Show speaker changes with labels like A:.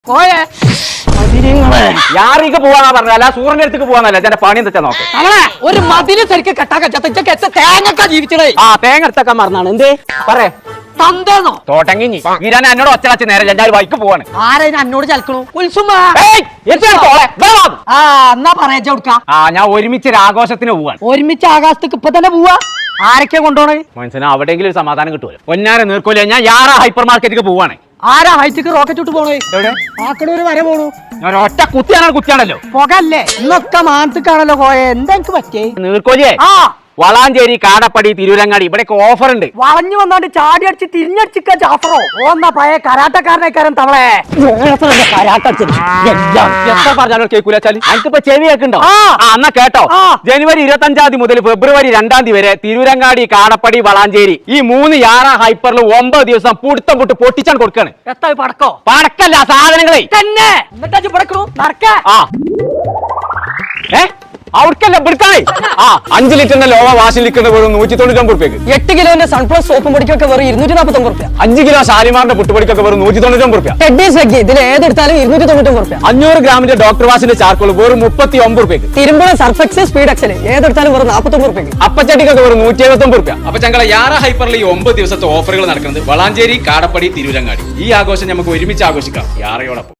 A: യാറിക്ക് പോവാന്നാ പറഞ്ഞല്ല സൂറിന്റെ അടുത്തേക്ക് പോവാന്നല്ല എന്റെ പണി എന്താ നോക്ക്
B: ഒരു മതില് ശരിക്കും കെട്ടാക്ക തേങ്ങ ജീവിച്ചടേ
A: ആ തേങ്ങ എടുത്തൊക്കെ മറന്നാണ് എന്തേ പറേ
B: തന്തേന്നോ
A: തോട്ടങ്ങി ഈരാൻ എന്നോട് ഒച്ചടച്ച് നേരെ എല്ലാവരും ബൈക്ക് പോവാണ്
B: ആരെ എന്നോട് ചലക്കണു ഉത്സുമ എന്നാ പറയാ കൊടുക്ക
A: ആ ഞാൻ ഒരുമിച്ച് ഒരു ആഘോഷത്തിന് പോവാണ്
B: ഒരുമിച്ച് ആകാശത്തേക്ക് ഇപ്പൊ തന്നെ പോവാ ആരൊക്കെ കൊണ്ടോണേ
A: മനസ്സിന് അവിടെയെങ്കിലും ഒരു സമാധാനം കിട്ടുമല്ലോ ഒന്നാരെ നീർക്കോലേ ഞാൻ യാറാ ഹൈപ്പർ മാർക്കറ്റിലേക്ക് പോവാണ്
B: ആരാ ഹൈറ്റിക്ക് റോക്കറ്റ് വിട്ട് പോണേ
A: എവിടെ
B: ആക്കടൂര് വരെ പോണു
A: ഞാൻ ഒറ്റ കുത്തിയാണല്ലോ
B: പുകല്ലേ ഇന്നൊക്കെ മാനത്തേക്കാണല്ലോ പോയെ എന്താ എനിക്ക് പറ്റേ
A: നീർക്കോലിയേ
B: ആ
A: വളാഞ്ചേരി കാടപ്പടി തിരൂരങ്ങാടി ഇവിടെയൊക്കെ ഓഫർ ഉണ്ട്
B: വളഞ്ഞു വന്നോണ്ട് ചാടി അടിച്ച് തിരിഞ്ഞടിച്ചിക്ക ജാഫറോ ഓന്നാ പഴയ കരാട്ടക്കാരനേക്കാരൻ തവളെ
A: എത്ര പറഞ്ഞാലും കേൾക്കൂലെച്ചാല് എനിക്കിപ്പോ ചെവി കേൾക്കുണ്ടോ എന്നാ കേട്ടോ ജനുവരി 25 മുതൽ ഫെബ്രുവരി 2 വരെ തിരൂരങ്ങാടി കാടപ്പടി വളാഞ്ചേരി ഈ 3 യാറാ ഹൈപ്പറിൽ 9 ദിവസം പുടുത്തം പൊട്ട് പൊട്ടിച്ചാണ് കൊടുക്കാണ്
B: എത്താ പടക്കോ
A: പടക്കല്ല സാധനങ്ങളെ
B: തന്നെ എന്നിട്ടാ പടക്കണു നടക്ക
A: അവർക്കല്ല പിടുക്കാണേ 5 ലിറ്ററിന്റെ ലോവ വാഷിൽ നിൽക്കുന്ന വെറും 199 റുപ്യക്ക്
B: 8 കിലോന്റെ സൺപ്ലസ് സോപ്പും പൊടിക്കൊക്കെ വെറും 249 റുപ്യ
A: 5 കിലോ ഷാലിമാറിന്റെ പുട്ടുപൊടിക്കൊക്കെ വെറും 199 റുപ്യ
B: ഇതിൽ ഏതെടുത്താലും 299 റുപ്യ
A: 500 ഗ്രാമിന്റെ ഡോക്ടർ വാഷിന്റെ ചാർക്കോൾ വെറും 39 റുപ്യക്ക്
B: തിരുമ്പുഴ സർഫെക്സ് സ്പീഡ് എക്സൽ ഏതെടുത്താലും വെറും 49 റുപ്യക്ക്
A: അപ്പച്ചട്ടിക്കൊക്കെ വെറും 179 റുപ്യ അപ്പൊ ഞങ്ങളെ യാറ ഹൈപ്പറിൽ ഈ 9 ദിവസത്തെ ഓഫറുകൾ നടക്കുന്നത് വളാഞ്ചേരി കാടപ്പടി തിരൂരങ്ങാടി ഈ ആഘോഷം നമുക്ക് ഒരുമിച്ച് ആഘോഷിക്കാം യാറയോടൊപ്പം